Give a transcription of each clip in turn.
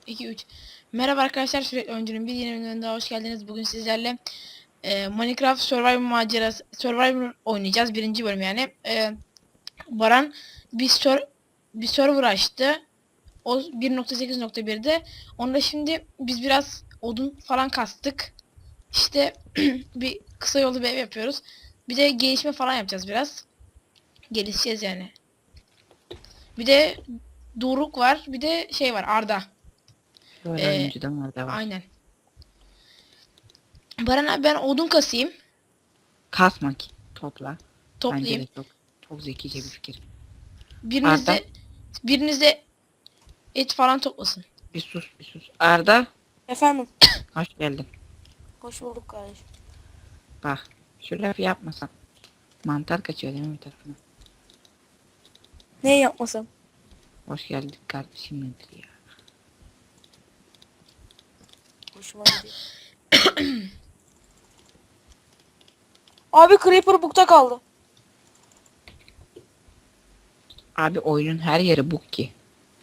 2 3. Merhaba arkadaşlar, sürekli oyuncunun bir yeni bölümüne daha hoş geldiniz. Bugün sizlerle Minecraft Survivor oynayacağız. Birinci bölüm yani. Baran bir server açtı. O 1.8.1'de. Onda şimdi biz biraz odun falan kastık. İşte bir kısa yolu bir ev yapıyoruz. Bir de gelişme falan yapacağız biraz. Gelişeceğiz yani. Bir de Doruk var. Bir de şey var, Arda. Böyle E, önceden var da var. aynen. Baran abi, ben odun kasayım. Kasma ki. Topla. Bence Toplayayım. de çok zekice bir fikir. Biriniz Arda de biriniz de et falan toplasın. bir sus. Arda Efendim, hoş geldin. hoş bulduk kardeşim. Bak şu lafı yapmasan. Mantar kaçıyor değil mi bir tarafına? Ne yapmasam? Hoş geldin kardeşim nedir ya? Hoşuma gidiyor. Abi Creeper bukta kaldı. Abi oyunun her yeri bug ki.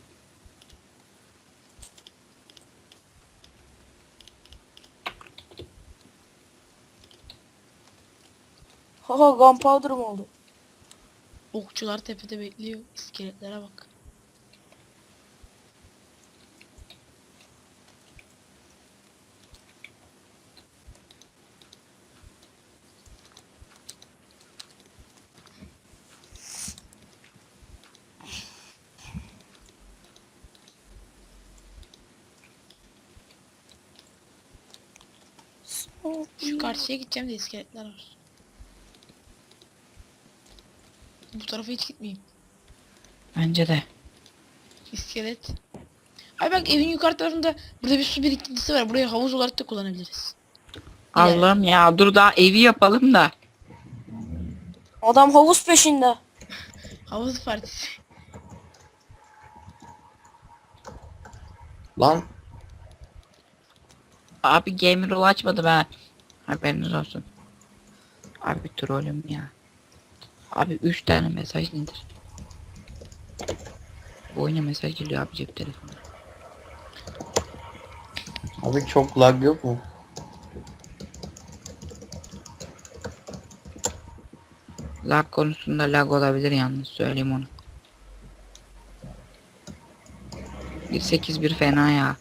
Haha, gunpowder'ım oldu. Okçular tepede bekliyor. İskeletlere bak. Şu karşıya gideceğim de iskeletler var. Bu tarafa hiç gitmeyeyim. Bence de. İskelet. Ay bak, evin yukarı tarafında burada bir su birikintisi var. Burayı havuz olarak da kullanabiliriz. İleride. Allah'ım ya dur daha evi yapalım da. Adam havuz peşinde. Havuz partisi. Lan Abi gamer rol açmadım ha. Haberiniz olsun. Abi trollüm ya. Abi 3 tane mesaj nedir? Bu oyuna mesaj geliyor abi cep telefonu. abi çok lag yok mu? Lag konusunda lag olabilir yalnız söyleyeyim onu. 1.8.1 fena ya.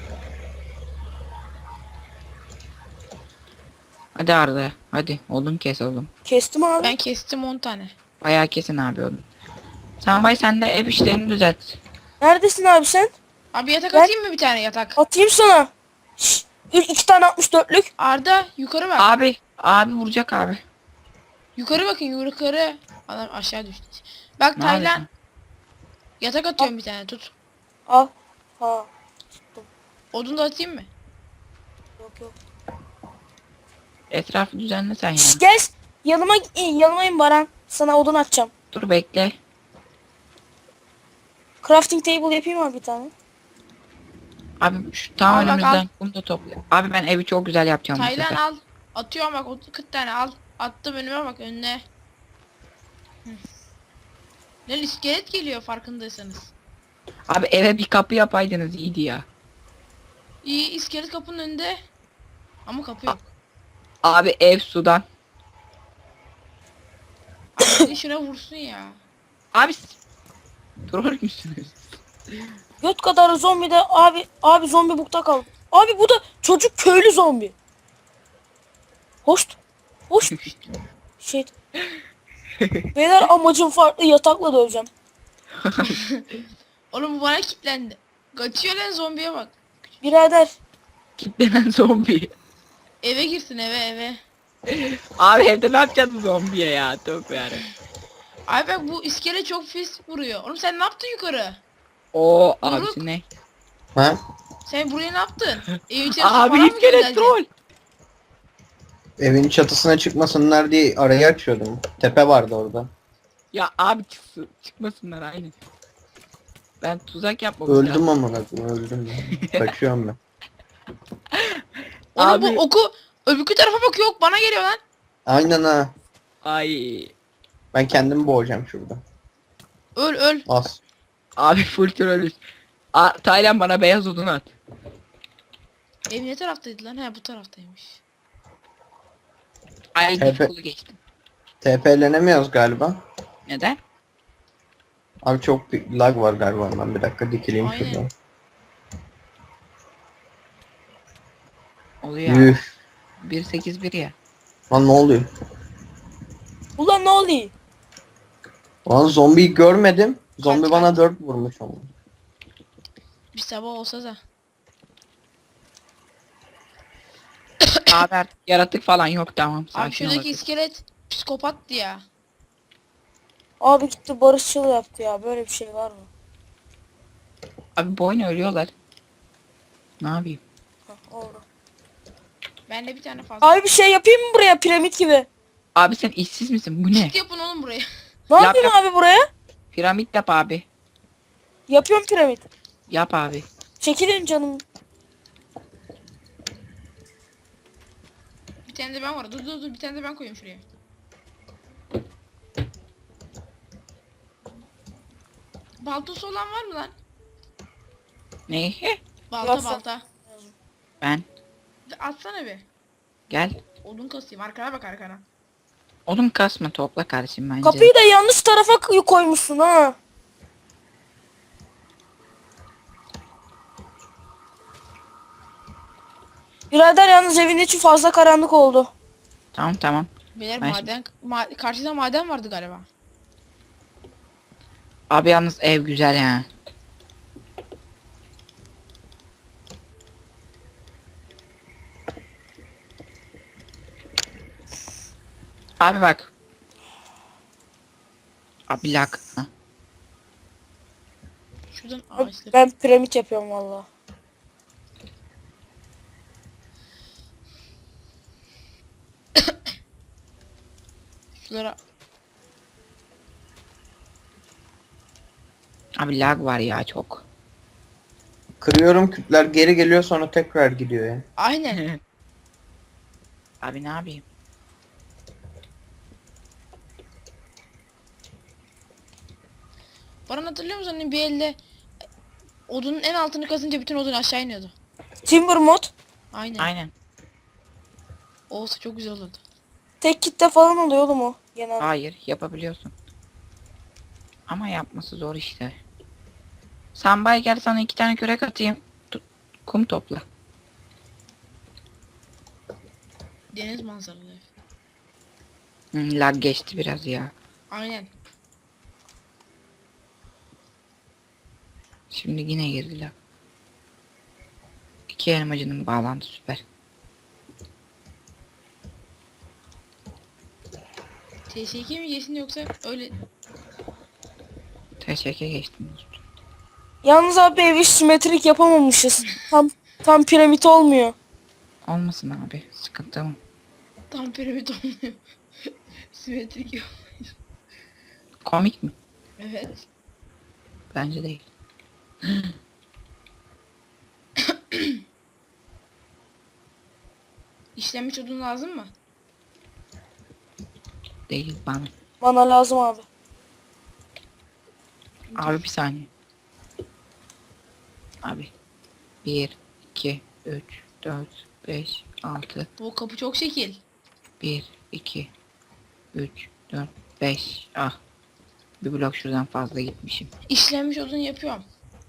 Hadi Arda hadi odun kes oğlum. Kestim abi. Ben kestim 10 tane. Bayağı kesin abi odun. Sen de ev işlerini düzelt. Neredesin abi sen? Abi yatak Ben- atayım mı, bir tane yatak? Atayım sana. Şşş, 2 tane 64'lük. Arda yukarı bak. Abi vuracak abi. Yukarı bakın, yukarı. Adam aşağı düştü. Bak Nerede? Taylan, yatak atıyorum bir tane, tut. Al. Ha. Odun da atayım mı? Yok yok. Etrafı düzenle sen ya. Şşş, gel. Yanıma in Baran. Sana odun atacağım. Dur bekle. Crafting table yapayım abi bir tane. Abi şu tam Al bak, önümüzden al. kum da topla. Abi ben evi çok güzel yapacağım bu Taylan sefer. al. Atıyorum bak, 40 tane al. Attım önüme, bak önüne. Hı. Lan iskelet geliyor, farkındaysanız. Abi eve bir kapı yapaydınız iyiydi ya. İyi, iskelet kapının önünde. Ama kapı yok. Abi ev sudan. Abi biri şuna vursun ya. Abi troll müsünüz? Göt kadar zombi de abi zombi bukta kaldı. Abi bu da çocuk köylü zombi. Hoş. Hoş. Şey. Beyler, amacım farklı, yatakla döveceğim. Oğlum bu bana kilitlendi. Kaçıyor lan, zombiye bak. Birader. Kitlenen zombi. Eve girsin, eve. Abi evde ne yapacaksın zombiye ya? Tövbe yarabbim. Abi bak, bu iskelet çok pis vuruyor. Oğlum sen ne yaptın yukarı? Oo Doruk. abisi ne? Ha? Sen buraya ne yaptın? Evin içerisine Abi falan mı iskelet göndereceksin? troll. Evin çatısına çıkmasınlar diye arayı açıyordum. Tepe vardı orada. Ya abi çıkmasınlar aynı. Ben tuzak yapmam Öldüm amına koyayım, öldüm ya. Kaçıyorum ben. Oğlum Abi. bu oku öbürkü tarafa bakıyor, ok bana geliyor lan. Aynen ha. Ay. Ben kendimi boğacağım şurada. Öl. Az. Abi full trollüz. Taylan bana beyaz odun at. Ev ne taraftaydı lan? He bu taraftaymış. Ay TP, kolu geçtim. TP'lenemiyoruz galiba. Neden? Abi çok bir lag var galiba. Ben bir dakika dikileyim Aynen. şuradan. Oluyor abi. Yuh. 1.8.1 ya. Lan ne oluyor? Ulan ne oluyor? Lan zombiyi görmedim. Zombi Kaç, bana kaç. 4 vurmuş ama. Bir sabah olsa da. Abi artık yaratık falan yok, tamam. Abi Sakin şuradaki ol. iskelet psikopattı ya. Abi gitti barışçıl yaptı ya. Böyle bir şey var mı? Abi bu oyun ölüyorlar. Ne yapayım? Heh, oldu. Ben de bir tane fazla. Abi bir şey yapayım mı buraya piramit gibi? Abi sen işsiz misin? Bu ne? Çit yapın oğlum buraya. Ne Yap, yapayım yap. abi buraya? Piramit yap abi. Yapıyorum piramit. Yap abi. Çekilin canım. Bir tane de ben var. Dur bir tane de ben koyayım şuraya. Baltası olan var mı lan? Ne? Balta Nasıl? balta. Ben. Atsana bir. Gel. Odun kasayım. Arkana bak arkana. Odun kasma, topla kardeşim bence. Kapıyı da yanlış tarafa koymuşsun ha. Birader yalnız evin içi fazla karanlık oldu. Tamam tamam. Beyler Ben maden karşıda maden vardı galiba. Abi yalnız ev güzel ya. Abi bak. Abi lag. Ha. Şuradan ağaçları. Ben piramit yapıyorum valla. Şuralara Abi lag var ya çok. Kırıyorum, kütler geri geliyor sonra tekrar gidiyor ya. aynen. Abi ne yapayım? Baran hatırlıyor musun hani bir elde odunun en altını kazınca bütün odun aşağı iniyordu. Timber mod. Aynen. Aynen. Olsa çok güzel olurdu. Tek kitle falan oluyor oğlum o. Genel. Hayır, yapabiliyorsun. Ama yapması zor işte. Sen bay gel, sana 2 tane kürek atayım. Kum topla. Deniz manzaralı ev. Lag geçti biraz ya. Aynen. Şimdi yine girdi lag. 2 elmacının bağlantı süper. TS2 mi geçsin yoksa öyle Teşekkür geçtim dostum. Yalnız abi evi simetrik yapamamışız. Tam piramit olmuyor. Olmasın abi, sıkıntı mı? tam piramit olmuyor. Simetrik yok. Komik mi? Evet. Bence değil. İşlenmiş odun lazım mı? Değil bana. Bana lazım abi. Abi bir saniye. Abi. 1, 2, 3, 4, 5, 6, Bu kapı çok şekil. 1, 2, 3, 4, 5. Ah. Bir blok şuradan fazla gitmişim. İşlenmiş odun yapıyorum.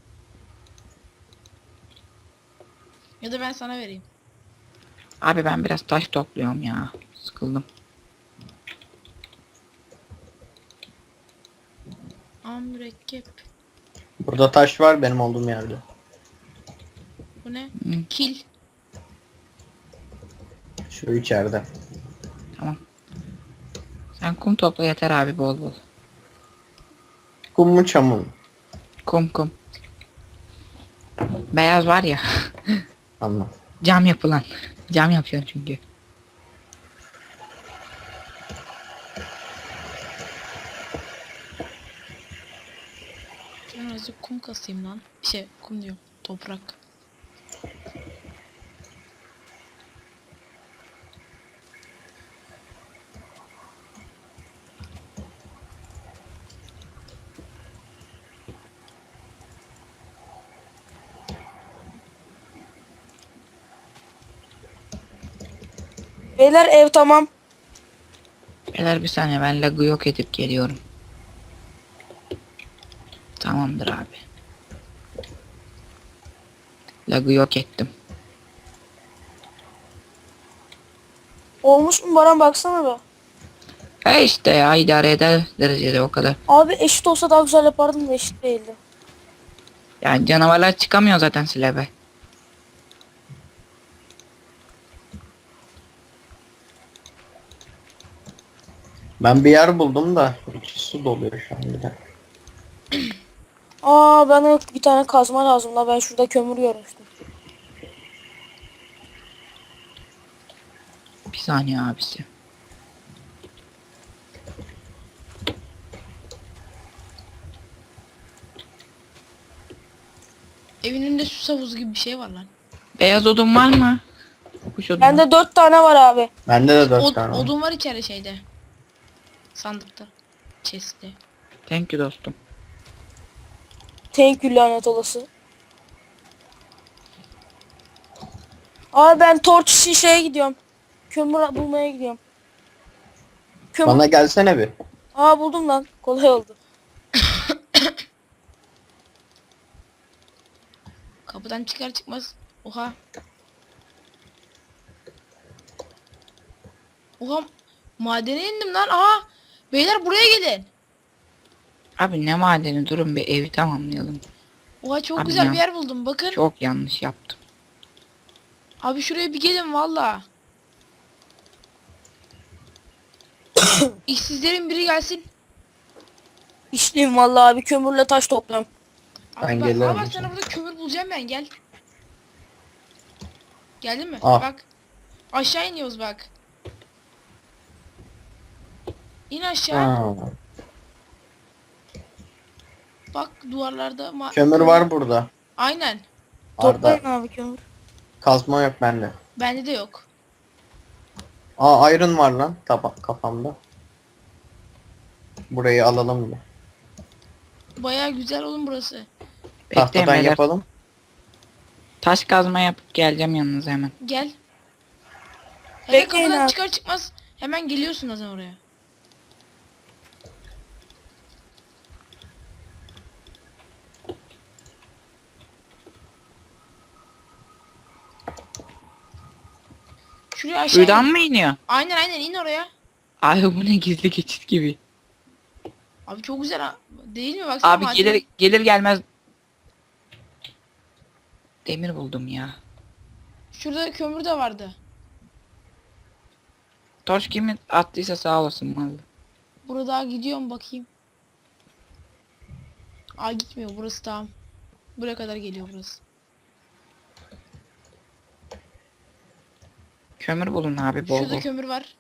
Ya da ben sana vereyim. Abi ben biraz taş topluyorum ya. Sıkıldım. Mürekkep. Burada taş var benim olduğum yerde. Bu ne? Hı. Kil. Şu içeride. Tamam. Sen kum topla yeter abi, bol bol. Kum mu çamur mu? Kum. Beyaz var ya. Anladım. Cam yapılan. Cam yapıyor çünkü. Ben azıcık kum kasayım lan. Kum diyorum. Toprak. Beyler ev tamam. Beyler bir saniye, ben lag'ı yok edip geliyorum. Tamamdır abi. Lag'ı yok ettim. Olmuş mu Baran, baksana be. İşte ya, idare eder derecede, o kadar. Abi eşit olsa daha güzel yapardım da eşit değildi. Yani canavarlar çıkamıyor zaten slab'e. Ben bir yer buldum da içi su doluyor şu an bir de. Aa, bana bir tane kazma lazım la, ben şurada kömür görmüştüm. Bir saniye abisi. Evin önünde su havuzu gibi bir şey var lan. Beyaz odun var mı? Kuş odunu. Bende 4 tane var abi. Bende de 4 tane var. Odun var içeride şeyde. Sandıkta. Chest'te. Thank you dostum. Thank you lanet olası. Abi ben torç için şeye gidiyorum. Kömür bulmaya gidiyorum. Kömür. Bana gelsene bir. Aa, buldum lan. Kolay oldu. Kapıdan çıkar çıkmaz. Oha. Oha. Madene indim lan. Aha. Beyler buraya gelin. Abi ne madeni, durun bir evi tamamlayalım. Oha çok Abi güzel ya. bir yer buldum. Bakın. Çok yanlış yaptım. Abi şuraya bir gelin valla. İşsizlerin biri gelsin. İşliyim vallahi abi, kömürle taş topluyorum. Abi Ben bak, gelirim aa bak şimdi. sana burada kömür bulacağım ben, gel. Geldin mi? Al. Bak. Aşağı iniyoruz bak. İn aşağı. Ha. Bak duvarlarda Kömür var burada. Aynen. Toplayın Arda. abi kömür. Kazma yok bende. Bende de yok. Aa, iron var lan kafamda. Burayı alalım mı? Baya güzel oğlum burası. Bekleyin Tahtadan beyler. yapalım. Taş kazma yapıp geleceğim yanınıza hemen. Gel. Hele Bekleyin kapıdan abi. çıkar çıkmaz hemen geliyorsun zaten oraya. Şuraya aşağı Şuradan in. mı iniyor? Aynen in oraya. Abi bu ne, gizli geçit gibi. Abi çok güzel değil mi? Baksana Abi maden. gelir gelmez demir buldum ya. Şurada kömür de vardı. Torç kimi attıysa sağ olasın vallahi. Burada gidiyorum bakayım. Aa gitmiyor burası, tamam. Buraya kadar geliyor burası. Kömür bulun abi, bol Şurada bol. kömür var.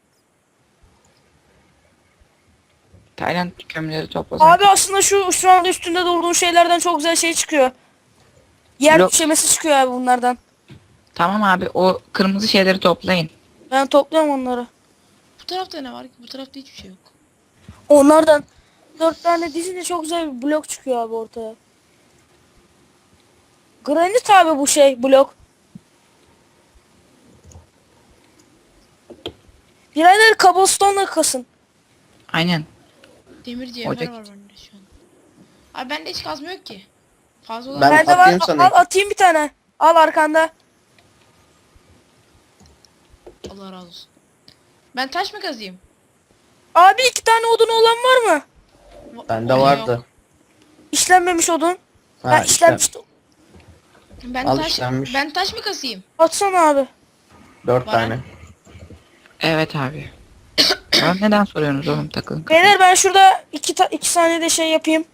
Tayland kömürleri toplasın. Abi aslında şu anda üstünde durduğun şeylerden çok güzel şey çıkıyor. Yer Blok. düşemesi çıkıyor abi bunlardan. Tamam abi, o kırmızı şeyleri toplayın. Ben topluyorum onları. Bu tarafta ne var ki? Bu tarafta hiçbir şey yok. Onlardan 4 tane dizince çok güzel bir blok çıkıyor abi ortaya. Granit abi bu şey blok. Birader cobblestone'la kasın. Aynen. Demir cevher Ocak. var bende şu an. Abi bende hiç kazma yok ki. Fazla olan Ben Bende var. atayım sana. Al, atayım bir tane. Al arkanda. Allah razı olsun. Ben taş mı kazıyım? Abi 2 tane odun olan var mı? Bende Yok. vardı. İşlenmemiş odun. Ha, Ben işte. işlenmiştim. Ben Al taş işlenmiş. ben taş mı kasayım? Atsana abi. 4 Var. tane. Evet abi. Bana neden soruyorsunuz oğlum, takılın. Beyler ben şurada 2 saniyede şey yapayım.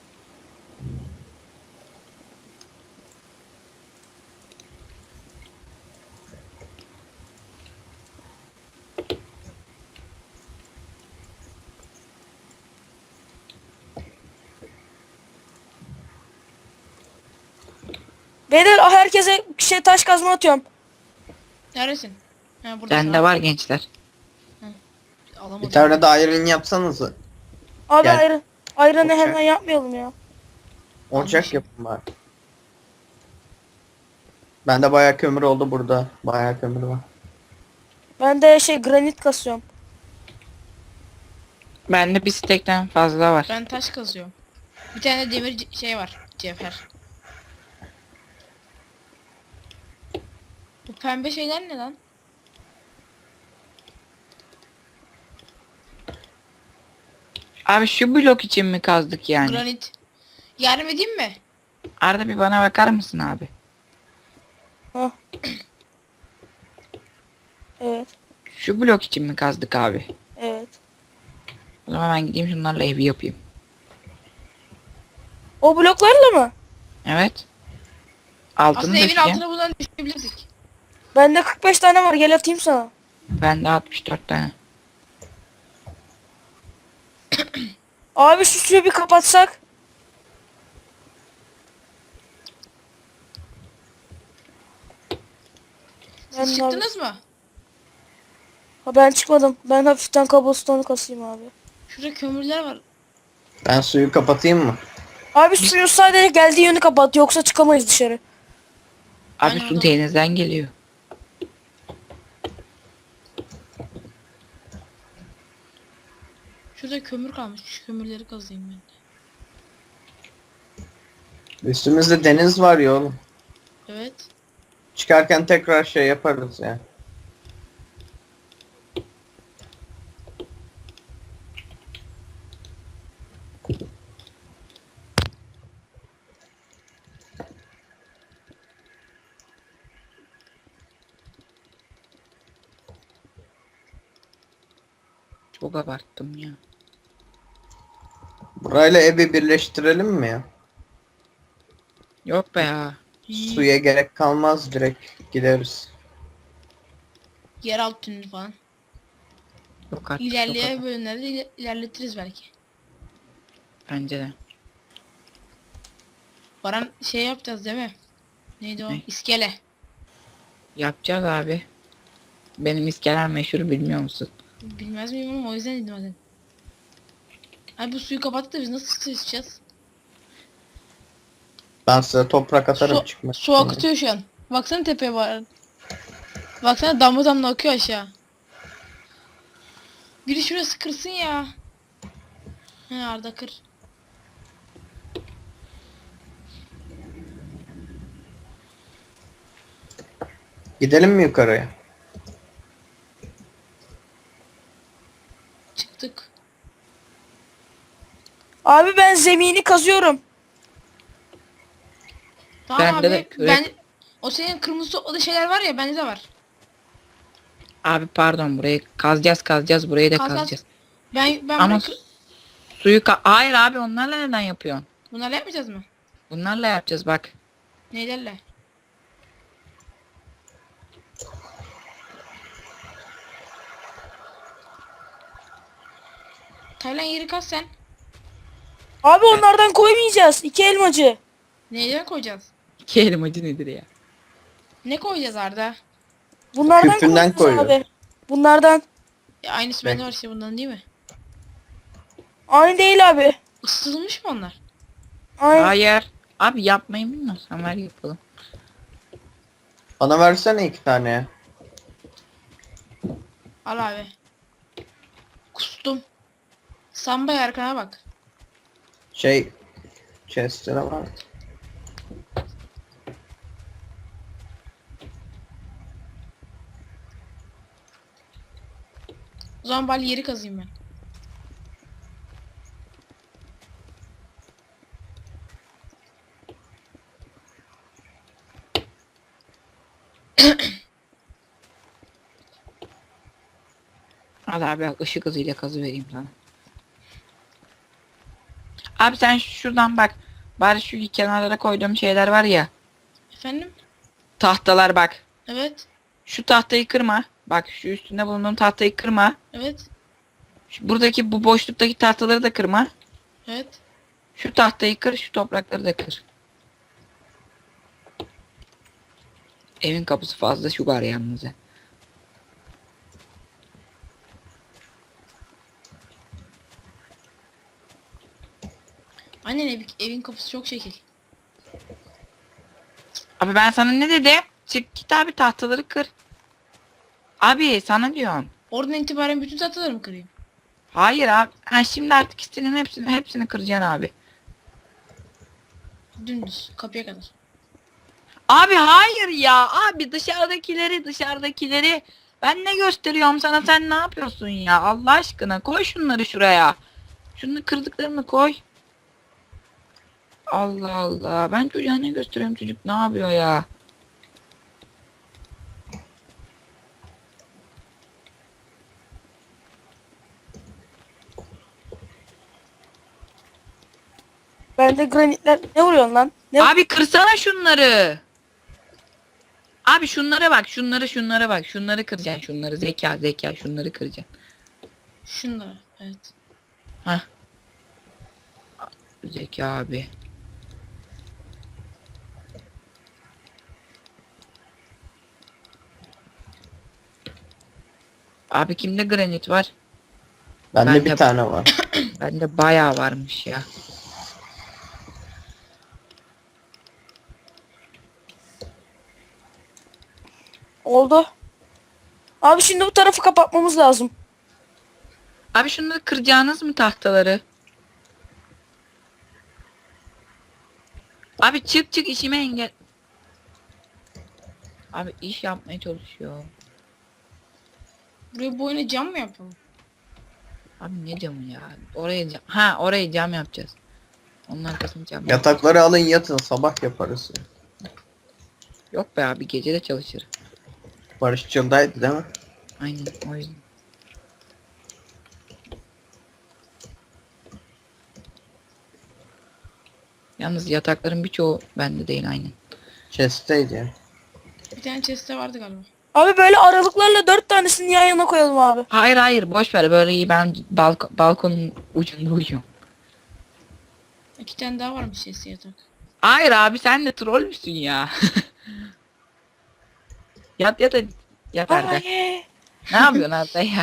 Beyler herkese şey taş kazma atıyorum. Neredesin? Ha burada. Bende var gençler. Alamadım. Bir tane de iron yapsanız. Abi Gel. ayranı Okey. hemen yapmayalım ya. Ocak yapın bari. Bende bayağı kömür oldu burada. Bayağı kömür var. Ben de granit kasıyorum. Bende bir stekten fazla var. Ben taş kazıyorum. Bir tane demir şey var. Cevher. Bu pembe şeyler ne lan? Abi şu blok için mi kazdık yani? Granit. Yardım edeyim mi? Arada bir bana bakar mısın abi? Hah. Evet. Şu blok için mi kazdık abi? Evet. O zaman ben gideyim şunlarla evi yapayım. O bloklarla mı? Evet. Altını Aslında evin döşeceğim. altına buradan düşebilirdik. Bende 45 tane var. Gel atayım sana. Bende 64 tane. Abi şu suyu bir kapatsak. Ben, Siz çıktınız mı? ben çıkmadım. Ben hafiften cobblestone'u kasayım abi. Şurada kömürler var. Ben suyu kapatayım mı? Abi suyu sadece geldiği yönü kapat. Yoksa çıkamayız dışarı. Abi Aynen su öyle. denizden geliyor. Şurada kömür kalmış. Şu kömürleri kazıyım ben. Üstümüzde deniz var ya oğlum. Evet. Çıkarken tekrar şey yaparız ya. Çok abarttım ya. Burayla evi birleştirelim mi ya? Yok be ya. Suya gerek kalmaz, direkt gideriz. Yeraltı tüneli falan. Yok artık. İlerleyen Yok bölümlerde ilerletiriz belki. bence de. Baran şey yapacağız değil mi? Neydi o? Ne? İskele. Yapacağız abi. Benim iskeler meşhur bilmiyor musun? Bilmez miyim oğlum, o yüzden dedim hadi. Abi bu suyu kapattık da biz nasıl su içeceğiz? Ben size toprak atarım Su, çıkmak su için. akıtıyor şu an. Baksana tepeye var. Baksana damla damla akıyor aşağı. Biri şurası kırsın ya. He Arda kır. Gidelim mi yukarıya? Çıktık. Abi ben zemini kazıyorum. Tamam Bende abi. de kürek- Ben o senin kırmızı topladığı şeyler var ya, bende de var. Abi pardon, burayı kazacağız burayı da Kaz, kaz. kazacağız. Ben Ama bunu suyu hayır abi, onlarla neden yapıyorsun? bunlarla yapmayacağız mı? Bunlarla yapacağız bak. Neylerle? Taylan yeri kaz sen. Abi onlardan koymayacağız. 2 elmacı. Neyden koyacağız? İki elmacı nedir ya? Ne koyacağız Arda? Bunlardan Küpünden koyacağız koyuyor. abi. Bunlardan. Aynısı bende var işte, bundan değil mi? Aynı değil abi. Isıtılmış mı onlar? Aynı. Hayır. Abi yapmayı bilmiyorsan ver yapalım. Bana versene 2 tane ya. Al abi. Kustum. Sambay arkana bak. Şey... Chest'lere var. O zaman bari yeri kazayım ben. Hadi abi bak, ışık hızıyla kazı vereyim sana. Abi sen şuradan bak. Bari şu kenarlara koyduğum şeyler var ya. Efendim? Tahtalar bak. Evet. Şu tahtayı kırma. Bak şu üstünde bulunduğum tahtayı kırma. Evet. Buradaki bu boşluktaki tahtaları da kırma. Evet. Şu tahtayı kır, şu toprakları da kır. Evin kapısı fazla şu var yalnız. Annen evin kapısı çok şekil. Abi ben sana ne dedim? Çık git abi, tahtaları kır. Abi sana diyorum. Oradan itibaren bütün tahtaları mı kırayım? Hayır abi. Ha, şimdi artık istediğin hepsini kıracaksın abi. Dümdüz kapıya kadar. Abi hayır ya. Abi dışarıdakileri. Ben ne gösteriyorum sana, sen ne yapıyorsun ya? Allah aşkına koy şunları şuraya. Şunu kırdıklarını koy. Allah Allah. Ben çocuğa ne gösteriyorum, çocuk ne yapıyor ya? Bende granitler ne vuruyorsun lan? Ne? Abi kırsana şunları. Abi şunlara bak, şunlara bak. Şunları kıracaksın, şunları. Zeka, şunları kıracaksın. Şunlara. Evet. Hah. Zeka abi. Abi kimde granit var? Bende Ben bir de- tane var. Bende bayağı varmış ya. Oldu. Abi şimdi bu tarafı kapatmamız lazım. Abi şunları kıracağınız mı tahtaları? Abi çık işime engel. Abi iş yapmaya çalışıyor. Buraya bu oyuna cam mı yapalım? Abi ne camı ya? Oraya cam. Ha, orayı cam yapacağız. Onun arkasını cam. Yatakları alın yatın, sabah yaparız. Yok be abi, gece de çalışır. Barışçıldaydı değil mi? Aynen o yüzden. Yalnız yatakların birçoğu bende değil, aynen. Chest'teydi ya. Bir tane chest'te vardı galiba. Abi böyle aralıklarla 4 tanesini yan yana koyalım abi. Hayır boş ver, böyle iyi, ben balkonun ucunda uyuyorum. 2 tane daha varmış chest'te yatak. Hayır abi, sen de troll müsün ya? Yat Arda. Ay. Ne yapıyorsun Arda ya?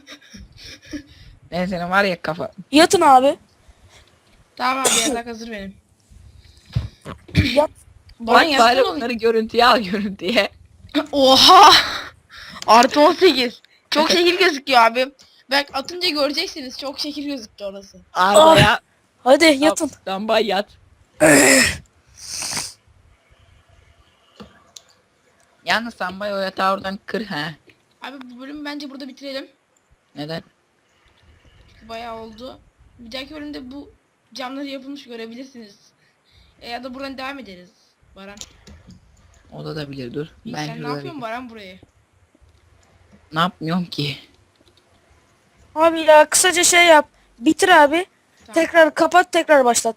Ben senin var ya kafa. Yatın abi. Tamam abi yatak hazır benim. Yat. Baran Bak yatsana bari oğlum. onları görüntüye al, görüntüye. Oha! Artı 18. Çok şekil gözüküyor abi. Bak atınca göreceksiniz. Çok şekil gözüktü orası. Arda Ah. ya. Hadi yatın. Lamba yat. Yalnız Sambay o yatağı oradan kır ha. Abi bu bölümü bence burada bitirelim. Neden? Çünkü bayağı oldu. Bir dahaki bölümde bu camları yapılmış görebilirsiniz. Ya da buradan devam ederiz. Baran. O da bilir, dur. İyi, Ben sen ne şurada yapıyorsun Baran burayı? ne yapmıyorum ki? Abi ya kısaca şey yap. Bitir abi. Tamam. Tekrar kapat, tekrar başlat.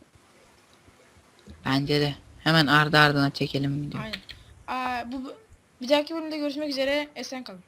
Bence de. Hemen ardı ardına çekelim video. Aynen. Bir dahaki bölümde görüşmek üzere. Esen kalın.